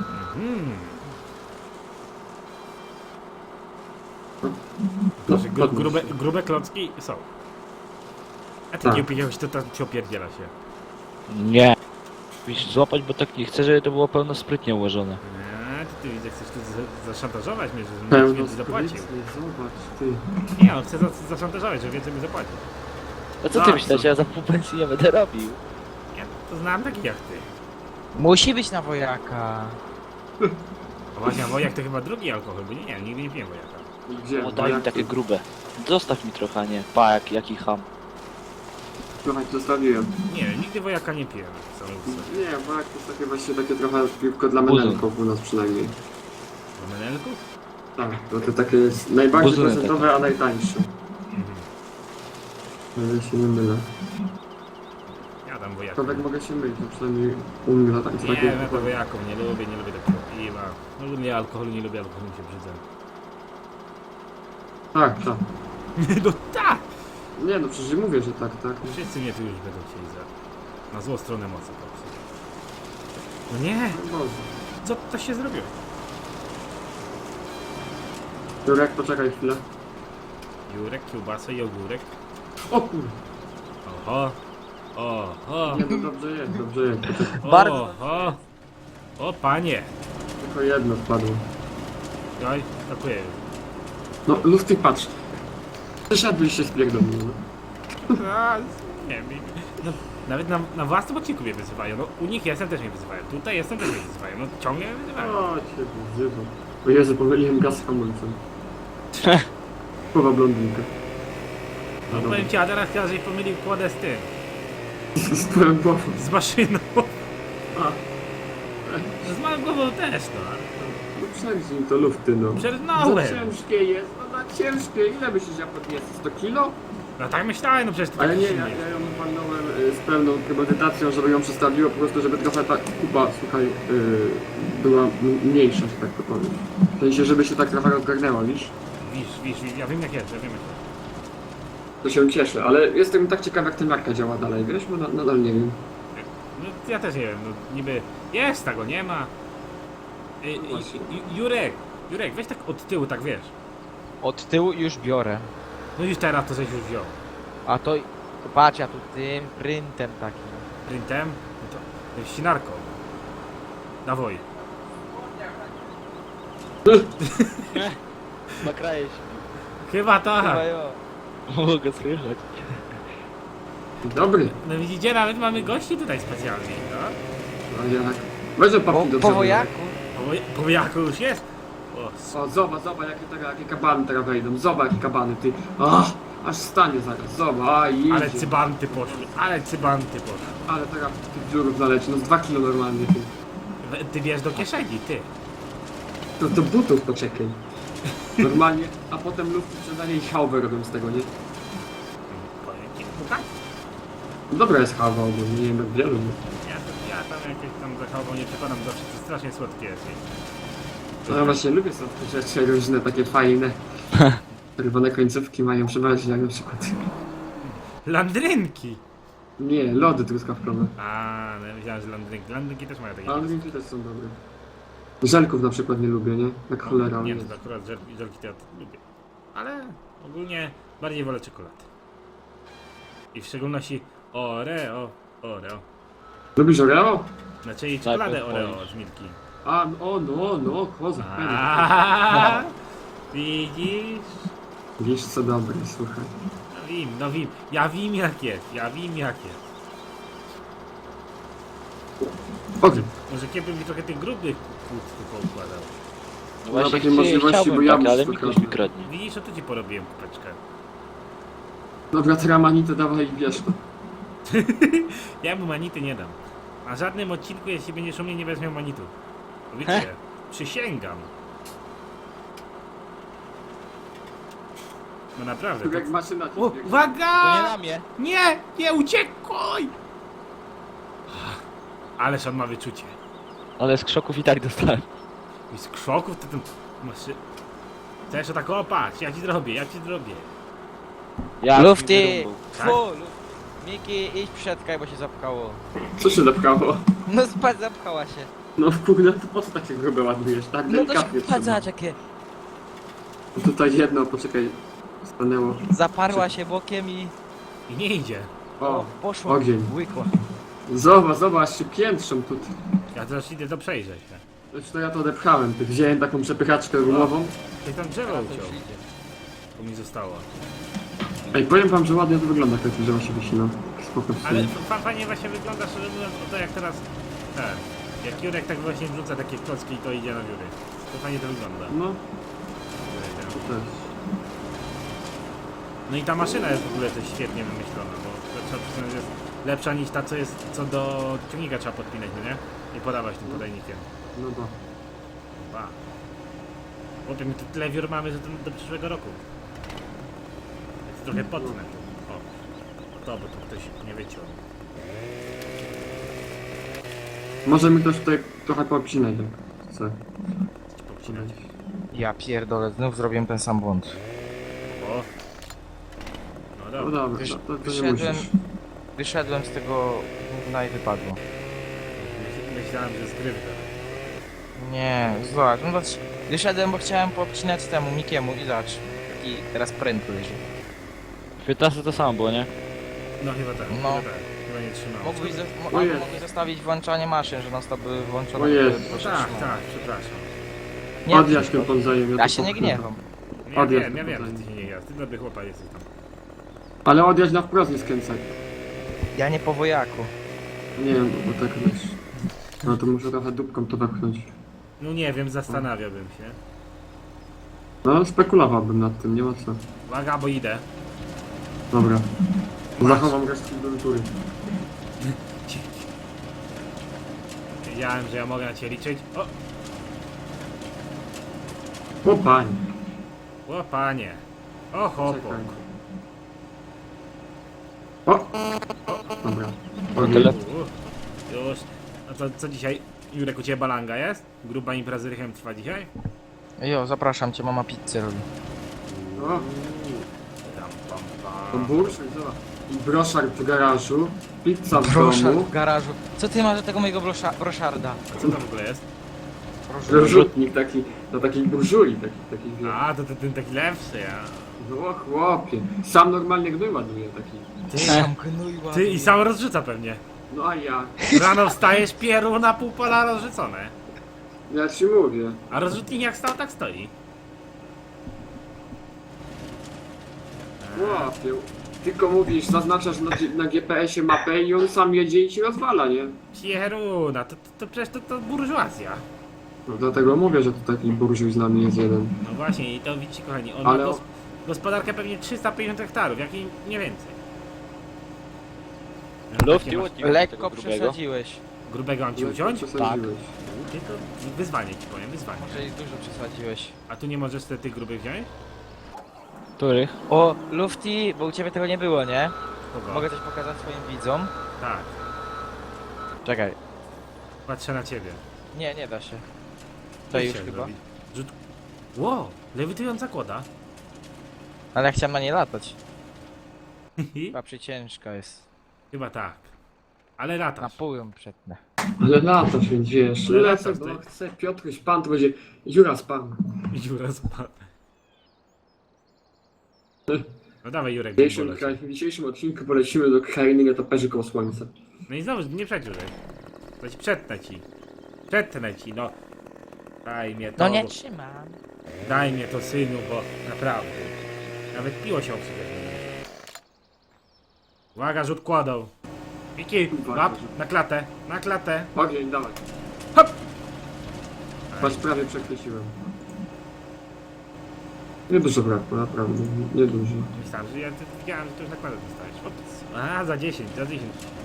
[SPEAKER 1] Proszę,
[SPEAKER 6] podnieś.
[SPEAKER 1] grube klocki są. A ty
[SPEAKER 6] Tak.
[SPEAKER 1] nie upijałeś, to tam ci opierdziela się.
[SPEAKER 5] Nie. Musisz złapać, bo tak nie chcę, żeby to było pełno sprytnie ułożone.
[SPEAKER 1] Nie, ty widzę, chcesz tu zaszantażować mnie, że
[SPEAKER 6] Pełno
[SPEAKER 1] więcej zapłacił.
[SPEAKER 6] sprytny, zobacz, ty.
[SPEAKER 1] Nie, on chce zaszantażować, że więcej mi zapłaci.
[SPEAKER 5] A co
[SPEAKER 6] Tak,
[SPEAKER 5] ty myślałeś,
[SPEAKER 6] co?
[SPEAKER 5] ja za pół pensji nie będę robił?
[SPEAKER 1] Ja to znam takich jak ty.
[SPEAKER 3] Musi być na wojaka.
[SPEAKER 1] A właśnie, a wojak to chyba drugi alkohol, bo nie, nigdy nie piłem wojaka.
[SPEAKER 6] Gdzie?
[SPEAKER 5] O, daj mi takie grube. Zostaw mi trochę, nie? Pa, jaki ham.
[SPEAKER 6] Trochę ci zostawiłem.
[SPEAKER 1] Nie, nigdy wojaka nie piłem.
[SPEAKER 6] Nie, bo jak to jest takie właśnie takie trochę piwko dla
[SPEAKER 5] Buzyn.
[SPEAKER 6] menelków u nas przynajmniej.
[SPEAKER 1] Do menelków?
[SPEAKER 6] Tak, bo to takie jest najbardziej
[SPEAKER 5] Buzyny
[SPEAKER 6] procentowe, a najtańsze. O ile się nie mylę.
[SPEAKER 1] Ja tam wojaka.
[SPEAKER 6] To tak mogę się mylić, no przynajmniej u mnie na tańce
[SPEAKER 1] Nie,
[SPEAKER 6] takie...
[SPEAKER 1] ja to wojaków nie lubię takiego piwa. No lubię alkoholu, nie lubię alkoholu, mi się brzydzę.
[SPEAKER 6] Tak, tak.
[SPEAKER 1] No tak!
[SPEAKER 6] Nie no, przecież mówię, że tak, tak.
[SPEAKER 1] Wszyscy mnie tu już będą chcieli na złą stronę mocy popsuć. No nie!
[SPEAKER 6] No Boże.
[SPEAKER 1] Co to się zrobiło?
[SPEAKER 6] Jurek, poczekaj chwilę.
[SPEAKER 1] Jurek, kiełbasa i ogórek.
[SPEAKER 6] O kur...
[SPEAKER 1] Oho! Oho!
[SPEAKER 6] Nie no, dobrze jest, poczekaj.
[SPEAKER 3] Bardzo
[SPEAKER 1] Oho! O panie!
[SPEAKER 6] Tylko jedno wpadło.
[SPEAKER 1] Oj, dziękuję.
[SPEAKER 6] No, Lufty, patrz. Przesiadłeś się z pierdolą, no.
[SPEAKER 1] A, nie wiem. No, nawet na własnym odcinku mnie wyzywają. No, u nich jestem, też mnie wyzywają. Tutaj jestem, też mnie wyzywają. No, ciągle mnie wyzywają.
[SPEAKER 6] O, cię wyzywam. O Jezu, pomyliłem gaz z hamulcem. Słowa blondynka.
[SPEAKER 1] No, powiem ci, a teraz chyba, że pomylił kładę z tym.
[SPEAKER 6] Z twoją głową.
[SPEAKER 1] Z maszyną.
[SPEAKER 6] A,
[SPEAKER 1] Z małą głową też, no.
[SPEAKER 6] no przerzuć to lufty, no. Za
[SPEAKER 1] Przernąłem.
[SPEAKER 6] ciężkie jest, no za ciężkie. Ile myślisz, ja podniosę? 100 kilo?
[SPEAKER 1] No tak myślałem, no przecież to
[SPEAKER 6] Ale
[SPEAKER 1] tak
[SPEAKER 6] nie,
[SPEAKER 1] silnie.
[SPEAKER 6] ja ją walnąłem z pełną premedytacją, żeby ją przestawiło, po prostu, żeby trochę ta kupa, słuchaj, była mniejsza, że tak to powiem. W sensie, żeby się tak trochę rozgarnęła, wiesz?
[SPEAKER 1] Wisz, ja wiem jak jest, ja wiem jak jest.
[SPEAKER 6] To się cieszę, ale jestem tak ciekaw, jak ten marka działa dalej, wiesz? Bo nadal nie wiem.
[SPEAKER 1] No ja też nie wiem, no niby jest, tego nie ma.
[SPEAKER 6] Właśnie.
[SPEAKER 1] Jurek, weź tak od tyłu, tak wiesz.
[SPEAKER 3] Od tyłu już biorę.
[SPEAKER 1] No już teraz to żeś już wziął.
[SPEAKER 3] A to... Patrz, ja tu tym pryntem takim.
[SPEAKER 1] Printem, no to jest ścinarką. Dawaj.
[SPEAKER 5] Nakraję się.
[SPEAKER 1] Chyba tak.
[SPEAKER 3] Chyba jo.
[SPEAKER 5] Mogę słyszeć.
[SPEAKER 6] Dobry.
[SPEAKER 1] No widzicie, nawet mamy gości tutaj specjalnie, no.
[SPEAKER 6] A jak? Weź
[SPEAKER 3] Po,
[SPEAKER 6] papki do
[SPEAKER 3] po
[SPEAKER 6] przodu.
[SPEAKER 3] wojaku?
[SPEAKER 1] Po jaku już jest? O,
[SPEAKER 6] O, zobacz, jakie kabany teraz wejdą. Zobacz, jakie kabany, ty. Ach, aż stanie zaraz, zobacz, a idzie.
[SPEAKER 1] ale cybanty poszły,
[SPEAKER 6] Ale teraz tych dziurów naleci, no z 2 kilo normalnie, ty.
[SPEAKER 1] Ty wiesz do kieszeni, ty.
[SPEAKER 6] To do butów poczekaj. Normalnie, a potem lufty sprzedanie i hałwę robią z tego, nie?
[SPEAKER 1] Powiem ci, no tak.
[SPEAKER 6] Dobra jest hałwa ogólnie, nie wiem jak wielu.
[SPEAKER 1] Ja tam jakieś tam zachową nie przekonam, zawsze to strasznie słodkie jest.
[SPEAKER 6] No ja właśnie lubię sobie te rzeczy różne, takie fajne. Czerwone końcówki mają przeważnie, jak na przykład.
[SPEAKER 1] Landrynki!
[SPEAKER 6] Nie, lody truskawkowe.
[SPEAKER 1] A, no ja myślałem, że landrynki też mają takie.
[SPEAKER 6] A drinki też są dobre. Żelków na przykład nie lubię, nie? Jak cholera.
[SPEAKER 1] Nie,
[SPEAKER 6] nie.
[SPEAKER 1] to akurat żelki to ja lubię. Ale ogólnie bardziej wolę czekoladę. I w szczególności Oreo.
[SPEAKER 6] Lubisz Oreo?
[SPEAKER 1] Znaczy czekoladę
[SPEAKER 5] Tak,
[SPEAKER 1] Oreo
[SPEAKER 5] powiedz.
[SPEAKER 1] z Milki.
[SPEAKER 6] A, no, kozak, pewnie.
[SPEAKER 1] Aaaa, widzisz?
[SPEAKER 6] Wiesz co dobre, słuchaj.
[SPEAKER 1] No wiem. Ja wiem jak jest.
[SPEAKER 6] Okej.
[SPEAKER 1] Może kiedy mi trochę tych grubych płuc tu poukładał.
[SPEAKER 5] No
[SPEAKER 6] Ma
[SPEAKER 5] właśnie
[SPEAKER 6] takie możliwości,
[SPEAKER 5] chciałbym
[SPEAKER 6] bo ja
[SPEAKER 5] tak, ale
[SPEAKER 6] muszę
[SPEAKER 5] mi ktoś
[SPEAKER 6] trochę.
[SPEAKER 5] mi kradnie.
[SPEAKER 1] Widzisz, o to ci porobiłem kupeczkę.
[SPEAKER 6] Dobra, teraz manitę dawaj i bierz to.
[SPEAKER 1] Ja mu manity nie dam. Na żadnym odcinku, jeśli będziesz u mnie, nie wezmę manitu. Wiecie, przysięgam. No naprawdę.
[SPEAKER 6] Tak jak maszyna ci
[SPEAKER 1] O,
[SPEAKER 6] biegnie.
[SPEAKER 1] uwaga!
[SPEAKER 3] To nie na mnie.
[SPEAKER 1] Nie, uciekaj! Ależ on ma wyczucie.
[SPEAKER 5] Ale z krzoków i tak dostałem.
[SPEAKER 1] I z krzoków to ten... Masz... Chcesz o tak, o patrz, ja ci zrobię.
[SPEAKER 5] Ja
[SPEAKER 3] Lufty!
[SPEAKER 1] Tak?
[SPEAKER 3] Fu, Miki, idź przedkaj, bo się zapchało.
[SPEAKER 6] Co się zapchało?
[SPEAKER 3] No spadł, zapchała się.
[SPEAKER 6] No kurde, to po co takie grube ładujesz? Tak
[SPEAKER 3] No to
[SPEAKER 6] delikatnie
[SPEAKER 3] spadł,
[SPEAKER 6] trzeba.
[SPEAKER 3] jakie.
[SPEAKER 6] Tutaj jedno, poczekaj, stanęło.
[SPEAKER 3] Zaparła się bokiem i...
[SPEAKER 1] I nie idzie.
[SPEAKER 6] O,
[SPEAKER 3] poszło.
[SPEAKER 6] ogień.
[SPEAKER 3] Łykła.
[SPEAKER 6] Zobacz, się piętrzą tutaj.
[SPEAKER 1] Ja teraz idę to przejrzeć. Tak?
[SPEAKER 6] Zresztą ja to odepchałem, ty wziąłem taką przepychaczkę gumową.
[SPEAKER 1] Ty tam drzewo
[SPEAKER 3] Teraz to
[SPEAKER 1] uciął.
[SPEAKER 3] już idzie.
[SPEAKER 1] To mi zostało.
[SPEAKER 6] Ej, powiem wam, że ładnie to wygląda, jak to drzewo się wycina. Spoko w
[SPEAKER 1] Ale
[SPEAKER 6] sumie.
[SPEAKER 1] fajnie właśnie wygląda, szczerze mówiąc, o to jak teraz... Ten, jak Jurek tak właśnie wrzuca takie klocki i to idzie na wióry. To fajnie to wygląda.
[SPEAKER 6] No, to też.
[SPEAKER 1] No i ta maszyna jest w ogóle też świetnie wymyślona, bo trzeba przyznać, że jest lepsza niż ta, co do ciągnika trzeba podpinać, no nie? I podawać tym podajnikiem.
[SPEAKER 6] No to.
[SPEAKER 1] Ba. Chłopie, my tu tyle wiór mamy, że to do przyszłego roku. Jest trochę potnę. O, to, bo tu ktoś nie wyciął.
[SPEAKER 6] Może mi ktoś tutaj trochę poobcinać, jak chce.
[SPEAKER 1] Chcecie poobcinać?
[SPEAKER 3] Ja pierdolę, znów zrobiłem ten sam błąd.
[SPEAKER 1] O. No
[SPEAKER 6] No
[SPEAKER 1] dobra.
[SPEAKER 6] dobra, to nie
[SPEAKER 3] Wyszedłem,
[SPEAKER 6] musisz.
[SPEAKER 3] wyszedłem z tego gówna i wypadło.
[SPEAKER 1] Myślałem, że zgrywka.
[SPEAKER 3] Nie, zobacz, no to wyszedłem, bo chciałem poobcinać temu Mikiemu i zobacz. Taki teraz pręt leży.
[SPEAKER 5] W 15 to samo było, nie?
[SPEAKER 1] No chyba tak,
[SPEAKER 3] No.
[SPEAKER 1] chyba tak. Chyba nie trzymało.
[SPEAKER 6] Ojej.
[SPEAKER 3] Mogłeś zostawić włączanie maszyn, że non stop były włączone.
[SPEAKER 6] Ojej.
[SPEAKER 3] żeby
[SPEAKER 1] No
[SPEAKER 3] się
[SPEAKER 1] tak,
[SPEAKER 3] trzymało.
[SPEAKER 1] tak, przepraszam.
[SPEAKER 3] Nie,
[SPEAKER 6] Odjaś ten podzajem.
[SPEAKER 3] ja się nie gniewam.
[SPEAKER 1] Ja
[SPEAKER 6] Odjazd
[SPEAKER 1] wiem, że
[SPEAKER 6] tutaj.
[SPEAKER 1] ty się nie grasz. Ty dobry chłopak jesteś tam.
[SPEAKER 6] Ale odjaź na wprost nie skręcaj.
[SPEAKER 3] Ja nie po wojaku.
[SPEAKER 6] Nie wiem, bo tak wiesz. No to muszę trochę dupką to wepchnąć.
[SPEAKER 1] No nie wiem, zastanawiałbym się.
[SPEAKER 6] No, spekulowałbym nad tym, nie ma co.
[SPEAKER 1] Uwaga, bo idę.
[SPEAKER 6] Dobra.
[SPEAKER 1] Masz.
[SPEAKER 6] Zachowam resztki do natury.
[SPEAKER 1] Wiedziałem, że ja mogę na ciebie liczyć.
[SPEAKER 6] O panie.
[SPEAKER 1] O panie. O chłopak.
[SPEAKER 6] Czekaj. O! Dobra.
[SPEAKER 5] Tyle.
[SPEAKER 1] Już. A to co dzisiaj? Jurek, u ciebie balanga jest? Gruba impreza z Rychem trwa dzisiaj?
[SPEAKER 3] Jo, zapraszam cię, mama pizzę robi.
[SPEAKER 6] O!
[SPEAKER 1] Tam, pam,
[SPEAKER 6] To
[SPEAKER 1] pam.
[SPEAKER 6] bursz, zobacz. I broszar w garażu. Pizza w
[SPEAKER 3] Broszard
[SPEAKER 6] domu.
[SPEAKER 3] w garażu. Co ty masz do tego mojego broszarda?
[SPEAKER 1] A co to w ogóle jest?
[SPEAKER 6] Rzutnik taki, do takiej burzuli, taki wie.
[SPEAKER 1] A, to ten taki lepszy, ja.
[SPEAKER 6] No chłopie. Sam normalnie gnój ładuje taki.
[SPEAKER 3] Sam gnój ładnie.
[SPEAKER 1] Ty i sam rozrzuca pewnie.
[SPEAKER 6] No a ja.
[SPEAKER 1] Rano wstajesz, pieru na pół pola rozrzucone.
[SPEAKER 6] Ja ci mówię.
[SPEAKER 1] A rozrzutnik jak stał, tak stoi.
[SPEAKER 6] Chłopie. Tylko mówisz, zaznaczasz na GPS-ie mapę i on sam jedzie i ci rozwala, nie?
[SPEAKER 1] Pieruna, to przecież to burżuazja.
[SPEAKER 6] No dlatego mówię, że to taki burżuj z nami jest jeden.
[SPEAKER 1] No właśnie, i to widzicie kochani, on
[SPEAKER 6] Ale
[SPEAKER 1] ma
[SPEAKER 6] o-
[SPEAKER 1] gospodarkę pewnie 350 hektarów, jak i nie więcej.
[SPEAKER 5] Lufty
[SPEAKER 1] Takie masz
[SPEAKER 5] łodzi tego
[SPEAKER 3] Lekko
[SPEAKER 5] grubego.
[SPEAKER 3] przesadziłeś.
[SPEAKER 1] grubego mam ci uciąć?
[SPEAKER 6] Przesadziłeś.
[SPEAKER 1] Ty to wyzwanie ci powiem, wyzwanie.
[SPEAKER 3] Może i dużo przesadziłeś.
[SPEAKER 1] A tu nie możesz te tych grubych wziąć?
[SPEAKER 5] Których?
[SPEAKER 3] O, Lufty, bo u ciebie tego nie było, nie?
[SPEAKER 1] Kogo?
[SPEAKER 3] Mogę coś pokazać swoim widzom?
[SPEAKER 1] Tak,
[SPEAKER 3] Czekaj.
[SPEAKER 1] patrzę na ciebie.
[SPEAKER 3] Nie, nie da się.
[SPEAKER 1] Co
[SPEAKER 3] To już
[SPEAKER 1] chciałem
[SPEAKER 3] chyba.
[SPEAKER 1] zrobić? Rzut... Wow, lewitująca kłoda.
[SPEAKER 3] Ale ja chciałem na nie latać. Chyba przyciężka jest.
[SPEAKER 1] Chyba tak. Ale
[SPEAKER 3] Na
[SPEAKER 1] latasz.
[SPEAKER 3] pół ją przetnę.
[SPEAKER 6] Ale latasz, więc wiesz,
[SPEAKER 1] Ale
[SPEAKER 6] lecę,
[SPEAKER 1] latasz,
[SPEAKER 6] bo
[SPEAKER 1] ty.
[SPEAKER 6] chcę Piotruś Pan, to będzie Jura Pan.
[SPEAKER 1] Dziura spadł. No dawaj Jurek,
[SPEAKER 6] W dzisiejszym odcinku polecimy do krainy nietoperzy koło słońca.
[SPEAKER 1] No i znowu, nie przedłużaj. To ci przetnę ci. Przetnę ci, no. Daj mnie to.
[SPEAKER 3] No nie trzymam.
[SPEAKER 1] Daj mnie to, synu, bo naprawdę. Nawet piło się obsługuje. Uwaga, rzut kładą. Miki,
[SPEAKER 6] Uwaga,
[SPEAKER 1] łap,
[SPEAKER 6] rzut.
[SPEAKER 1] na klatę, na klatę.
[SPEAKER 6] Ogień, dawaj.
[SPEAKER 1] Hop!
[SPEAKER 6] Patrz, prawie przechwyciłem. Niedużo brakło, naprawdę, niedużo.
[SPEAKER 1] Myślałem, że ja widziałem, że to już nakładę dostajesz. Ops. A, za 10, za 10.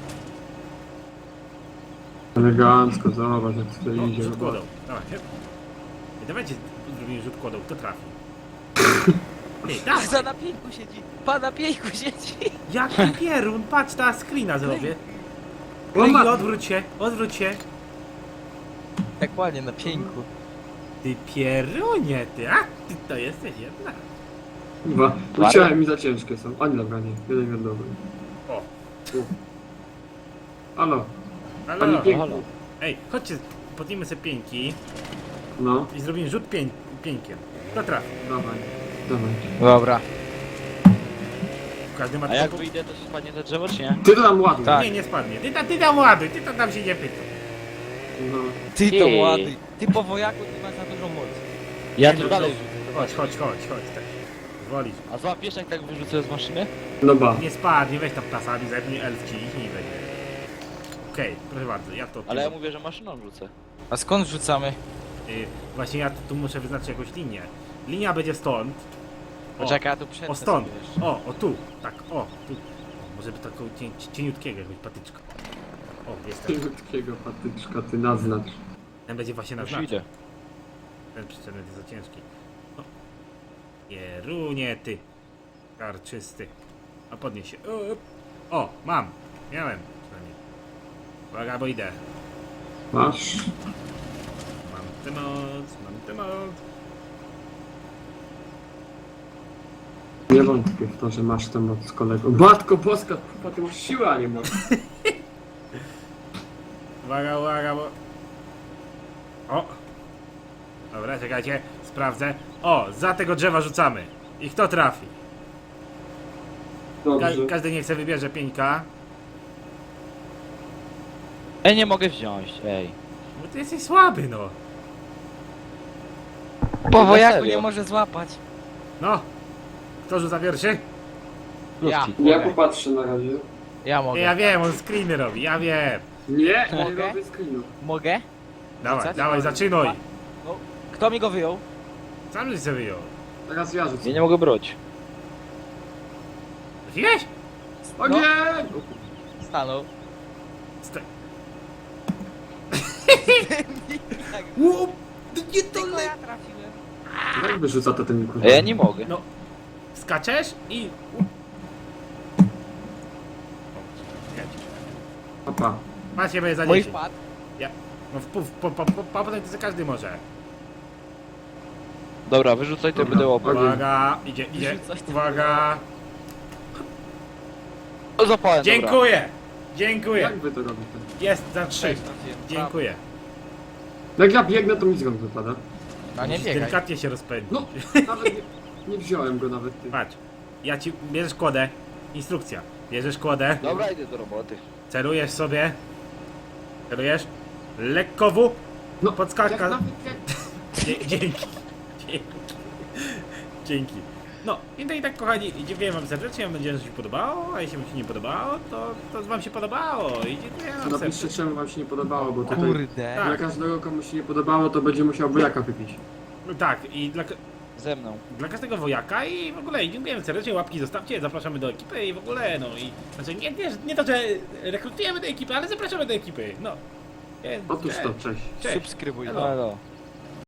[SPEAKER 6] Elegancko, zobacz jak tutaj
[SPEAKER 1] O,
[SPEAKER 6] idzie.
[SPEAKER 1] rzut kładą. Dawaj. I dawajcie, zrobimy rzut kładą, kto trafi. Ej, dawaj.
[SPEAKER 3] Za na pięku siedzi. Pan na pięku siedzi.
[SPEAKER 1] Jaki pierun, patrz, ta screena zrobię.
[SPEAKER 6] O,
[SPEAKER 1] Ej,
[SPEAKER 6] ma...
[SPEAKER 1] odwróć się, odwróć się.
[SPEAKER 3] Jak ładnie, na pieńku.
[SPEAKER 1] Ty pierunie, ty, a ty to jesteś jedna.
[SPEAKER 6] Chyba. Musiałem mi za ciężkie są. Ani dobra, nie. Jeden jest dobry.
[SPEAKER 1] O.
[SPEAKER 6] Halo, pani
[SPEAKER 1] Halo.
[SPEAKER 6] piękna.
[SPEAKER 1] Ej, chodźcie, podnijmy sobie pieńki
[SPEAKER 6] No,
[SPEAKER 1] i zrobimy rzut pieńkiem. To trafi.
[SPEAKER 6] dawaj. Dawaj.
[SPEAKER 3] Dobra.
[SPEAKER 1] Każdy ma
[SPEAKER 5] A jak
[SPEAKER 1] tylko...
[SPEAKER 5] wyjdę, to spadnie to drzewo, czy nie?
[SPEAKER 6] Ty to tam ładuj.
[SPEAKER 3] Tak.
[SPEAKER 1] Nie, nie spadnie. Ty tam ładuj, ty to tam się nie pytaj.
[SPEAKER 6] No.
[SPEAKER 3] Ty to
[SPEAKER 5] Ty.
[SPEAKER 3] ładuj. Ty po wojaku ty masz za dużą moc.
[SPEAKER 5] Ja
[SPEAKER 1] Nie,
[SPEAKER 5] tu
[SPEAKER 1] no,
[SPEAKER 5] dalej
[SPEAKER 1] Chodź,
[SPEAKER 5] rzucę.
[SPEAKER 1] tak. Zwolisz.
[SPEAKER 5] A złapiesz jak tak wyrzucę z maszyny?
[SPEAKER 6] No ba.
[SPEAKER 1] Nie spadnie, weź tam ptasami, zepnij elf ci ich nie będzie. Okej, proszę bardzo, ja to...
[SPEAKER 5] Ale ja mówię, że maszyną rzucę.
[SPEAKER 3] A skąd rzucamy?
[SPEAKER 1] Właśnie ja tu muszę wyznaczyć jakąś linię. Linia będzie stąd. O,
[SPEAKER 3] Poczekaj, ja tu przetnę
[SPEAKER 1] o stąd.
[SPEAKER 3] sobie jeszcze.
[SPEAKER 1] O tu. Tak, o tu. O, może by taką cieniutkiego jakąś patyczka. O, jest ten.
[SPEAKER 6] Takiego patyczka, ty naznacz.
[SPEAKER 1] Ten będzie właśnie
[SPEAKER 5] Już
[SPEAKER 1] naznaczony.
[SPEAKER 5] idę.
[SPEAKER 1] Ten przyczepny jest za ciężki. O. Jerunie ty. Karczysty. A podnieś się. O, mam. Miałem przynajmniej. Uwaga, bo idę.
[SPEAKER 6] Masz?
[SPEAKER 1] Mam tę moc.
[SPEAKER 6] Nie wątpię w to, że masz tę moc, kolego. Matko boska, chyba ty masz siłę, a nie moc.
[SPEAKER 1] Uwaga, bo... O! Dobra, czekajcie, sprawdzę. O, za tego drzewa rzucamy. I kto trafi?
[SPEAKER 6] Dobrze.
[SPEAKER 1] Każdy niech sobie wybierze pieńka.
[SPEAKER 5] Ej, nie mogę wziąć, ej.
[SPEAKER 1] Bo ty jesteś słaby, no.
[SPEAKER 3] Po wojaku
[SPEAKER 5] serio?
[SPEAKER 3] nie może złapać.
[SPEAKER 1] No. Kto rzuca pierwszy?
[SPEAKER 3] Ja.
[SPEAKER 5] Lufki.
[SPEAKER 6] Ja popatrzę na razie.
[SPEAKER 3] Ja mogę.
[SPEAKER 1] Ja wiem, on screeny robi, ja wiem.
[SPEAKER 6] Nie, nie
[SPEAKER 3] Mogę?
[SPEAKER 6] robię screenu.
[SPEAKER 3] Mogę?
[SPEAKER 1] Dawaj,
[SPEAKER 3] Rzucać?
[SPEAKER 1] dawaj, zaczynaj.
[SPEAKER 3] No. Kto mi go wyjął?
[SPEAKER 1] Sam żeś sobie wyjął.
[SPEAKER 6] Teraz ja rzucę.
[SPEAKER 5] Ja nie mogę brać.
[SPEAKER 1] Trafiłeś?
[SPEAKER 6] O
[SPEAKER 3] No.
[SPEAKER 6] nie!
[SPEAKER 3] Stanął.
[SPEAKER 1] Sta-
[SPEAKER 3] Tak.
[SPEAKER 1] Łup! Nie to
[SPEAKER 3] Tylko ja trafiłem.
[SPEAKER 6] Jak wyrzuca to ten kurwa?
[SPEAKER 5] A ja nie mogę.
[SPEAKER 1] No. Skaczesz i...
[SPEAKER 6] Papa.
[SPEAKER 1] Macie będzie za
[SPEAKER 3] Mój
[SPEAKER 1] 10.
[SPEAKER 3] wpadł.
[SPEAKER 1] No potem to każdy może.
[SPEAKER 5] Dobra, wyrzucaj to
[SPEAKER 6] Dobra.
[SPEAKER 5] będę łapał.
[SPEAKER 6] Okej.
[SPEAKER 1] Uwaga, idzie.
[SPEAKER 3] Wyrzucać to
[SPEAKER 1] Uwaga.
[SPEAKER 5] O, zapałem, dobra.
[SPEAKER 1] Dziękuję.
[SPEAKER 6] Jak wy to robicie?
[SPEAKER 1] Jest za 3.
[SPEAKER 3] Cześć, trafiłem.
[SPEAKER 1] Dziękuję.
[SPEAKER 6] Jak ja biegnę, to mi z rąk wypada.
[SPEAKER 3] A nie
[SPEAKER 1] Musisz
[SPEAKER 3] biegaj.
[SPEAKER 1] delikatnie się rozpędzić.
[SPEAKER 6] No, nawet nie wziąłem go nawet, ty.
[SPEAKER 1] Patrz. Ja ci bierzesz kłodę. Instrukcja. Bierzesz kłodę.
[SPEAKER 5] Dobra, idę do roboty.
[SPEAKER 1] Celujesz sobie. Celujesz. Lekko w.
[SPEAKER 6] No,
[SPEAKER 1] Podskaka.
[SPEAKER 6] jak nawet
[SPEAKER 1] Dzięki. Dzięki. No i tak kochani, dziękuję wam serdecznie, mam nadzieję, że się podobało, a jeśli wam się nie podobało, to wam się podobało i dziękuję wam
[SPEAKER 6] Napiszcie,
[SPEAKER 1] serdecznie.
[SPEAKER 6] czemu wam się nie podobało, bo tutaj
[SPEAKER 3] Kurde.
[SPEAKER 1] Tak.
[SPEAKER 6] dla każdego, komu się nie podobało, to będzie musiał bojaka wypić.
[SPEAKER 1] Tak, i
[SPEAKER 5] Ze mną.
[SPEAKER 1] dla każdego wojaka i w ogóle dziękujemy serdecznie, łapki zostawcie, zapraszamy do ekipy i w ogóle, no i znaczy nie to, że rekrutujemy do ekipy, ale zapraszamy do ekipy, no. Więc,
[SPEAKER 6] Otóż to, cześć.
[SPEAKER 1] Cześć.
[SPEAKER 3] Subskrybuj.
[SPEAKER 1] Elo.
[SPEAKER 5] Halo.